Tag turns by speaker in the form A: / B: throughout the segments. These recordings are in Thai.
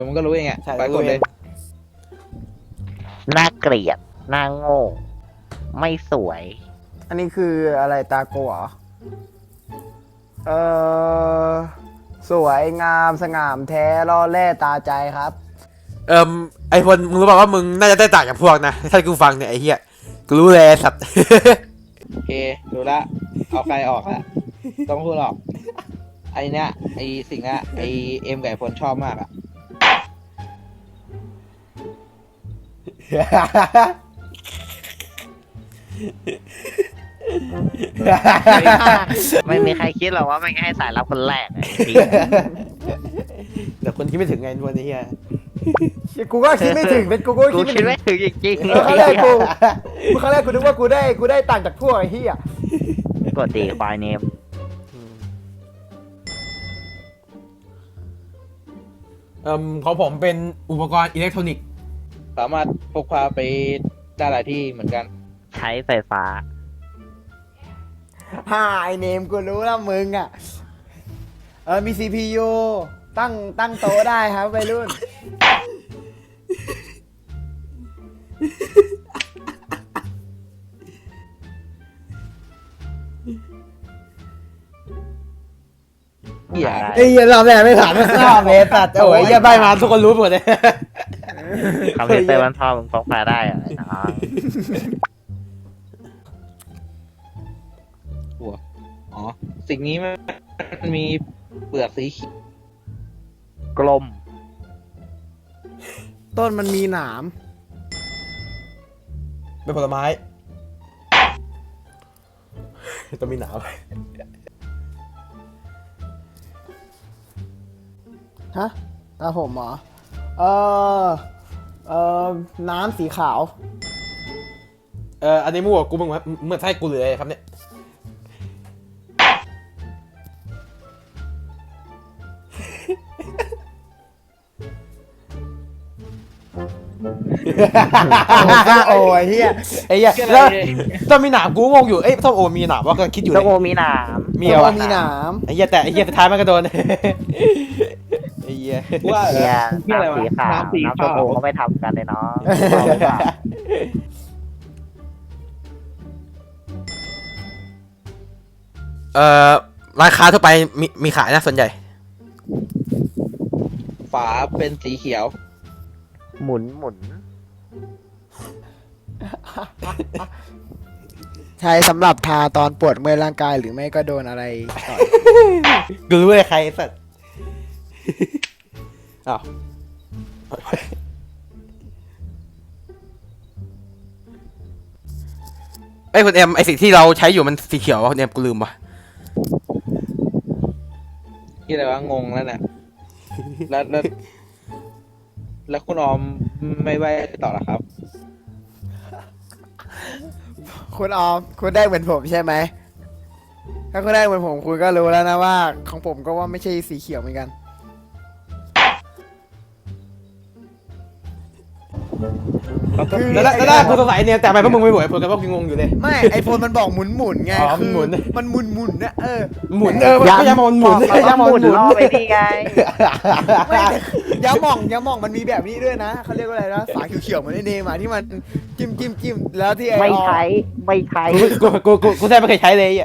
A: มันก็รู้เองอ่ะ
B: ใช่
A: ไปกดเลย
C: น่าเกลียดน่าโง่ ไม่สวย
B: อันนี้คืออะไรตาโกเหรอเออสวยงามสง่ามแท้ล่อแร่ตาใจครับ
D: ไอพลมึงรู้ป่าวว่ามึงน่าจะได้ต่างจากพวกนะถ้ากูฟังเนี่ยไอเหี้ยกูรู้เลยสัตว์
A: โอเคดูละเอาใครออกละต้องพูดหรอกไอเนี้ยไอสิ่งเนี้ยไอเอ็มไก่พลชอบมากอ่ะ
C: ไม่มีใครคิดหรอกว่าไม่ให้สายลับคนแรกอะไอ้เหี้ย
D: แต่คนคิดไม่ถึงไงพวกนี้เหี้ย
B: กูก็คิดไม่ถึงเป็นกูก็
C: กู
B: คิดไม่
C: คิด
B: ถึง
C: ไม่ถึงจริง
B: ครั้งแรกกูนึกว่ากูได้ต่างจากพวกไอ้เหี้ย
C: กดตีควายเนม
D: ของผมเป็นอุปกรณ์อิเล็กทรอนิกส์
A: สามารถพกพาไปได้หลายที่เหมือนกัน
C: ใช้ไฟฟ้า
B: ไอเนมกูรู้แล้วมึงอ่ะมี CPU ตั้งโต๊ะได้ครับวัยรุ่น
A: เหี้ย
D: ไอ้เหี้ยรอบแรกไม่ผ่านไม่ข้ามเมสัตว์โอ้ยเหี้ยใบมาทุกคนรู้หมดเลย
C: คอมพิวเตอร์มันพอมึงพกพาได้เหรอไอ้น้อง
A: อ๋อสิ่งนี้มันมีเปลือกสีเขียว
C: กลม
B: ต้นมันมีหนาม
D: เป็นผลไม้ต้องมีหนาว
B: ฮะตาผมเหรอน้ำสีขาว
D: อันนี้มั่วกูมึงเหมือนใช่กูเลยครับเนี่ย
B: โอ้ยเฮีย
D: ไอ้เหี้ยแล้วต้องมีหนามกูงงอยู่เอ้ยส้มโอมีหนามว่าก็คิดอยู่
C: ส้ม
D: เล
C: โอย มีหนาม
D: มีเหรอวะ
B: มีหนาม
D: ไอ้เหี้ยแต่ไอ้เหี้ยสุดท้ายมันก็โดน ไอ้เหี้ย
A: ว่า
C: เนี่ย
A: ที่อะไร
C: น้ำ
A: วะ
C: สีขาว
A: น้ำสี
C: น้ำส้
A: ขาม
C: โอ
A: ว
C: เขาไม่ทำกันเลยเนาะ
D: ร้านค้าทั่วไปมีขายนะส่วนใหญ่
A: ฝาเป็นสีเขียว
C: หมุนหมุน
B: ใช้สำหรับทาตอนปวดเมื่อยร่างกายหรือไม่ก็โดนอะไรต่อย
D: กูรู้เลยใครไอ้สัตว์อ้าวไอ้ยคุณเอ็มไอ้สิ่งที่เราใช้อยู่มันสีเขียววะคุณเอ็มกูลืมว่ะ
A: ที่อะไรวะงงแล้วเนี่ยแล้วคุณออมไม่ไหวต่อหรอครับ
B: คุณออมคุณได้เหมือนผมใช่ไหมถ้าคุณได้เหมือนผมคุณก็รู้แล้วนะว่า ของผมก็ว่าไม่ใช่สีเขียวเหมือนกัน
D: แล้วกูสงสัยเนี่ยแต่ทำไมพวกมึงไม่บ่นเพราะกันว่ากูงงอยู่เลย
B: ไม่ไอโฟนมันบอกหมุนไง
D: อ๋อ
B: คือ
D: หมุน
B: มันหมุนนะ
D: หมุนก็ยังมองหมุน
C: เขาก็หมุนล่อไปนี่ไง
B: ไม่แต่ยาหม่องมันมีแบบนี้ด้วยนะเขาเรียกว่าอะไรนะฝาเขียวๆเหมือนไอเนมอะที่มันจิ้มแล้วที่ไอ
C: ไม่
B: ออ
C: ใช้ไม่ใช้
D: กูแทบไม่เคยใช้เลยอ่ะ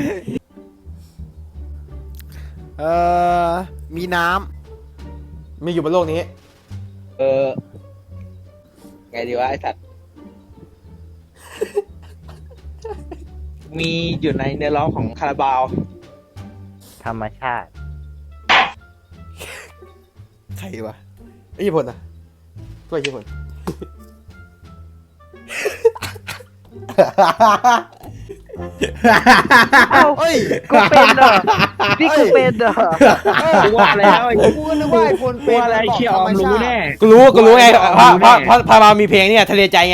B: มีน้
D: มีอยู่บนโลกนี้
A: ไงดีวะไอ้สัตว์ มีอยู่ในเนื้อร้องของคาราบาว
C: ธรรมชาติ
D: ใครวะไอ้ญี่ปุ่นอ่ะตัวญี่ปุ่น
C: เอ้า
B: ำเอ้ย
C: กูเป็นเหรอนี่กูเป็นเหรอ
A: กูว่าแล้วไอ้
B: กูก็นึกว่าไอโฟนเป็น
A: ว่าอะไร
B: บอก
A: เชี่ยออม
B: ธรร
A: รู้
B: ชาติ
A: แน่
D: กูรู้ไงเพราะพามามีเพลงเนี่ยทะเลใจไง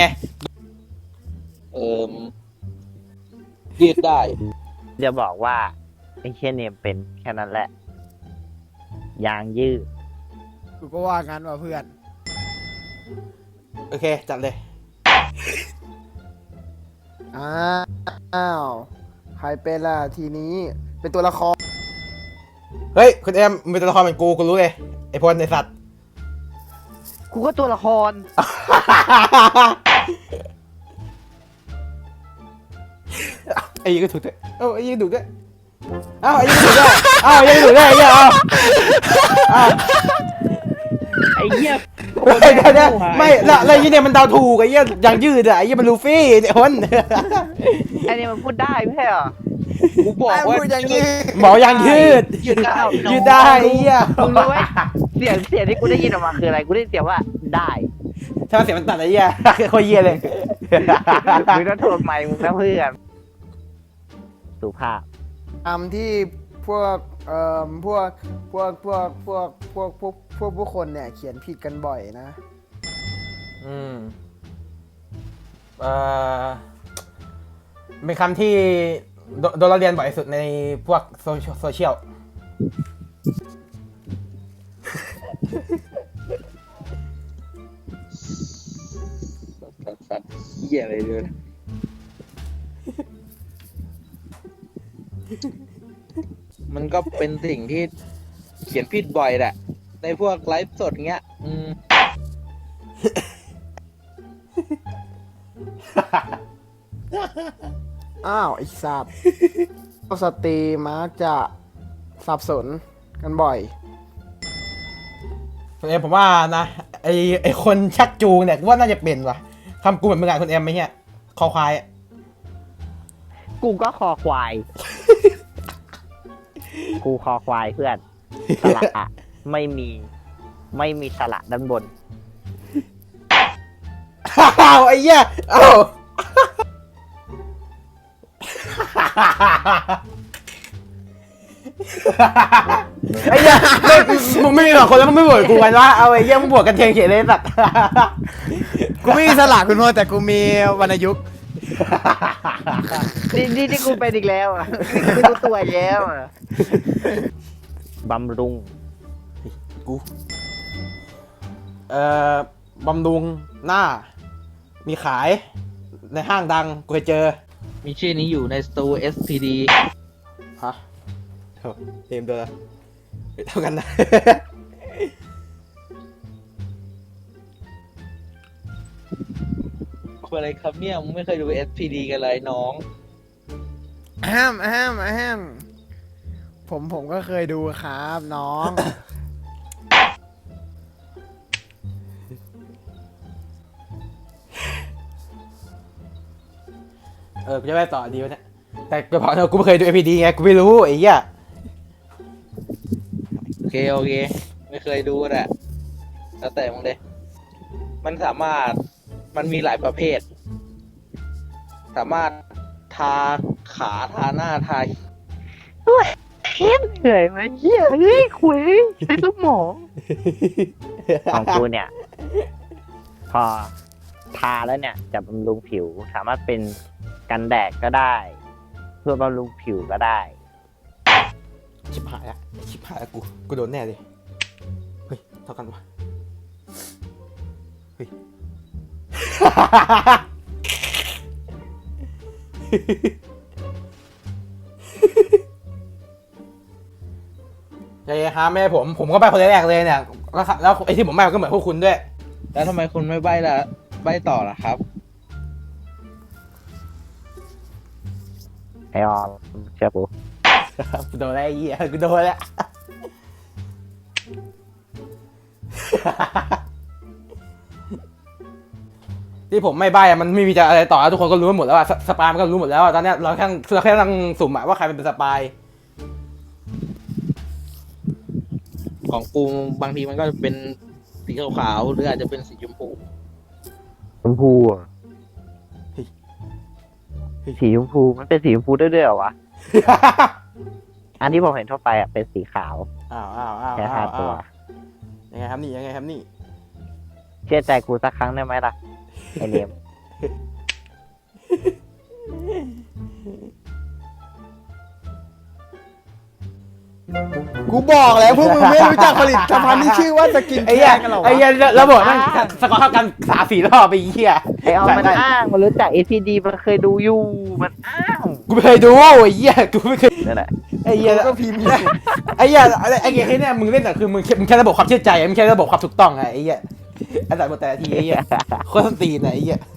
A: ยืดได้
C: จะบอกว่าไอ้เช่นเนมเป็นแค่นั้นแหละ ยางยืด
B: กูก็ว่างั้นว่ะเพื่อน
D: โอเคจัดเลย
B: อ้าวใครเป็นล่ะทีนี้เป็นตัวละคร
D: เฮ้ยคุณเอ็มมึงเป็นตัวละครเหมือนกูรู้เลยไอ้พลไอ้สัตว์
C: กูก็ตัวละคร
D: ไอ้ยี่ก็ถูกด้วยเอ้าไอ้ยี่ก็ถูกด้วยเอ้าไอ้ยี่ก็ถูกด้วยเอ้าไอ้ยี่ก็ถูกด้วยไอ้ยี่เอ้า
C: ไอ้เหี้ย
D: เดี๋ยวไม่แล้วยี่เนี่ยมันเดาถูกไอ้ยี่ยังยืดอะไอ้ยี่มันลูฟี่เนี่ยคน
C: ไอ้นี่มันพูดได้ไม่ใช่เหรอ
A: กูบอกว่า
B: พูดอย่างนี้
D: หมอยังยืด
A: ยืดได้
D: ยืดได้ไอ้ยี่
C: มึงรู้ไหมเสียงที่กูได้ยินออกมาคืออะไรกูได้ยินเสียงว่าได้
D: ถ้าเสียงมันตัดไอ้ยี่โคตรเยี่ยเลย
C: มึงต้องโทรใหม่มึงนะเพื่อนสุภาพ
B: คำที่พวกผู้คนเนี่ยเขียนผิดกันบ่อยนะ
D: อืมเอ่อเป็นคำที่โดนเราเรียนบ่อยสุดในพวกโซเชียล
A: สัตว์เหี้ยอะไรเลยมันก็เป็นสิ่งที่เขียนผิดบ่อยแหละในพวกไลฟ์สดเงี้ย
B: อ้าวไอ้สัตว์สตรีมักจะสับสนกันบ่อย
D: คุณเอ็มผมว่านะไอคนชักจูงเนี่ยว่าน่าจะเป็นว่ะคำกูเหมือนมึงอ่ะคุณเอ็มไหมเนี่ยคอควาย
C: กูก็คอควาย กูคอควายเพื่อนสระอะไม่มีสระด้านบน
D: อ้าวไอ้เหี้ยอ้าวไอ้เหี้ยมึงไม่มีสองคนแล้วมึงไม่บวกกูกันวะเอาไอ้เหี้ยมึงบวกกันเทียงเขียนเลยสัตว์
B: กูไม่มีสลากคุณพ่อแต่กูมีวรรณยุกต์
C: นี่กูเป็นอีกแล้วอ่ะนี่กูตัวอีกแล้วอ่ะบำรุง
D: กูบำรุงหน้า มีขายในห้างดังกูเคยเจอ
A: มีชื่อนี้อยู่ในสตู SPD
D: ฮะโถ่เอ็มเดอร์เท่ากันนะ
A: คืออะไรครับเนี่ยมึงไม่เคยดู SPD กันเลยน้อง
B: ผมก็เคยดูครับน้อง
D: กูจะไปต่อดีวะเนี่ยแต่กูบอกนะกูไม่เคยดู APD ไงกูไม่รู้ไอ้เหี้ย
A: โอเค ไม่เคยดูแหละแล้วแต่มึงเลยมันมีหลายประเภท สามารถทาขาทาหน้าทา
C: เฮ้ยเหนื่อยไหมเหี้ยเฮ้ยคุยใช้สมองของกูเนี่ย พอทาแล้วเนี่ยจะบำรุงผิวสามารถเป็นกันแดดก็ได้ เพื่อบำรุงผิวก็ได้
D: ชิบหายละกูโดนแน่เลยเฮ้ยเท่ากันวะเฮ้ย ใจเย็นครับแม่ผมก็ไปคนแรกเลยเนี่ยแล้วไอ้ที่ผมไปก็เหมือนพวกคุณด้วย
A: แล้วทำไมคุณไม่ใบ้ละใบ้ต่อล่ะครับ
C: ไอออมเชื่อกู
D: กูโดนแล้วไอ้เหี้ยกูโดนแล้ว ที่ผมไม่ใบ้อะมันไม่มีจะอะไรต่อแล้วทุกคนก็รู้หมดแล้วอะสปายมันก็รู้หมดแล้วอะตอนเนี้ยเราแค่กำลังสุ่มอะว่าใครเป็นสปาย
A: ของกูบางทีมันก็เป็นสีขาวๆหรืออาจจะเป็นสีชมพู
C: ชมพูอ่ะสีชมพูมันเป็นสีชมพูได้ด้วยเหรอวะ อันที่ผมเห็นทั่วไปอ่ะเป็นสีขาว
D: อ้าว
C: แค่5 ตัว
D: ยังไงครับนี่
C: เชื่อใจกูสักครั้งได้ไหมล่ะไอเนม
B: กูบอกแล้วพวกมึงไม่รู้จักผลิตภัณฑ์ที่ชื่อว่าสกิน
D: ไอ้
B: แค
D: เหี้ย
B: ร์กันหรอวะ
D: ไอ้เหี้ยระบบนั่นสกอร์เท่ากัน3-4 รอบไปเหี้ย
C: ไอออมมันอ้างมันรู้จัก APD มันเคยดูอยู่มันอ้าง
D: กูไม่เคยดูไอ้เหี้ยกูไม่เคย
C: นั่นแหละ
D: ไอ้เหี้ย
B: กูก็พิมพ์อยู่
D: ไอ้เหี้ยไอ้เกมเนี่ยมึงเล่นแต่คือมึงแค่ระบบความเชื่อใจมึงแค่ระบบความถูกต้องไงไอ้เหี้ยไอ้สัตว์หมดแต่ละทีไอ้เหี้ยโคตรส้นตีนไหนไอ้เหี้ย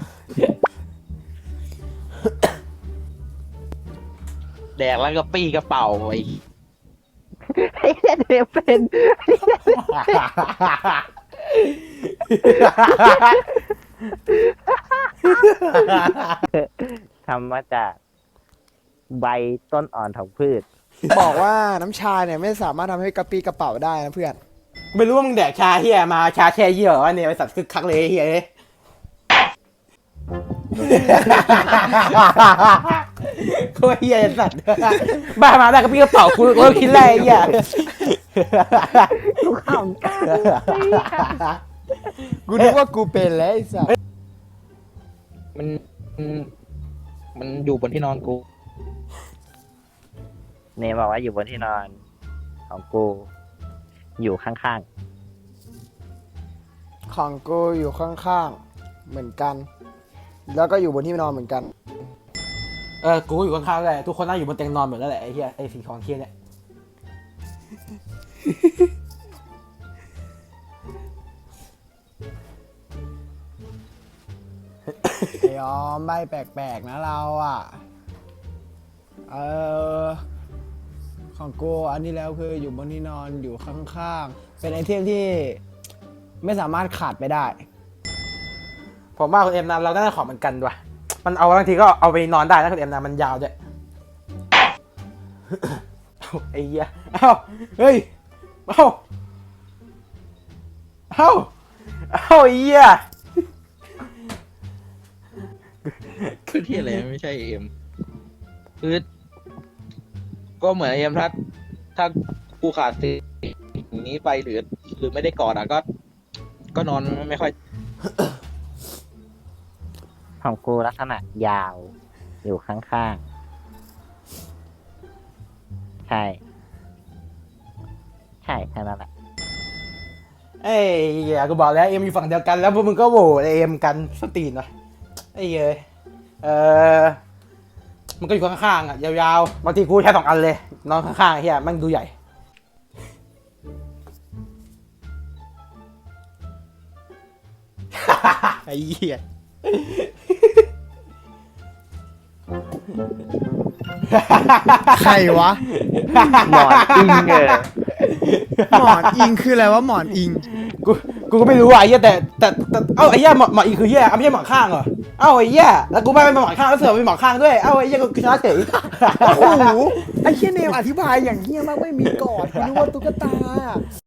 A: แดกแล้วก็ปี้กระเป๋าไอ้
C: ไอ้เหี้ยเดี๋ยวเป็น ทำมาจากใบต้นอ่อนของพืช
B: บอกว่าน้ำชาเนี่ยไม่สามารถทำให้กระปี้กระเป๋าได้นะเพื่อน
D: ไม่รู้ว่ามึงแดกชาเฮียมาชาแช่เยี่ยววะเนี่ยไอสัตว์คึกคักเลยไอ้เฮียเอ้ยโคตรเฮียไอ้สัตว์บ้ามาได้ก็พี่กระเป๋ากูก็คิดแรกไอ้เฮีย
C: กูขำกัน
B: กูนึกว่ากูเป็นแล้วไอ้สัส
A: มันมันอยู่บนที่นอนกู
C: เนมบอกว่าอยู่บนที่นอนของกู อยู่ข้าง
B: ของกูอยู่ข้างๆเหมือนกัน แล้วก็อยู่บนที่นอนเหมือนกัน
D: กูก็อยู่ข้างๆเลยทุกคนนั่งอยู่บนเตียงนอนหมดแล้วแหละไอ้เฮียไอ้สีของเฮียเนี่ย
B: ไอ้ออมใบแปลกๆนะเราอ่ะ ของกูอันนี้แล้วคืออยู่บนที่นอนอยู่ข้างๆ เป็นไอเทมที่ไม่สามารถขาดไปได้
D: ผมว่าคุณเอ็มนะเราได้ของเหมือนกันด้วยมันเอาบางทีก็เอาไปนอนได้นะคุณเอ็มนะมันยาวด้วย ไอ้เหี้ยเอ้าเฮ้ยเอ้าไอ้เหี้ย
A: คือที่อะไรไม่ใช่เอ็มคือก็เหมือนเอ็มถ้ากูขาดสิ่งนี้ไปหรือไม่ได้กอดอ่ะก็นอนไม่ค่อย
C: ๆ ของกูลักษณะยาว อยู่ข้างๆ ใช่ ใช่แค่นั้นแหละ
D: ไอ้เหี้ยกูบอกแล้วเอ็มอยู่ฝั่งเดียวกันแล้วพวกมึงก็โหวตเอ็มกันสตีนวะไอ้เหี้ยมันก็อยู่ข้างๆอ่ะยาวๆบางทีกูใช้2 อันเลยนอนข้างๆไอ้เหี้ยมันดูใหญ่ ไอ้เหี้ย
B: ใครวะ
C: หมอนอิง
B: หมอนอิงคืออะไรวะหมอนอิง
D: กูก็ไม่รู้อ่ะไอ้เหี้ยแต่เอ้าไอ้เหี้ยหมอนอีกคือเหี้ยไม่ใช่หมอนข้างเหรอเอ้าไอ้เหี้ยแล้วกูไม่เป็นหมอนข้างแล้วเสือกเป็นหมอนข้างด้วยเอ้าไอ้เหี้ยกูชนะเฉย
B: โอ้โห ไอ้เฮียเนมอธิบายอย่างเฮียมากไม่มีกอดกูนึกว่าตุ๊กตา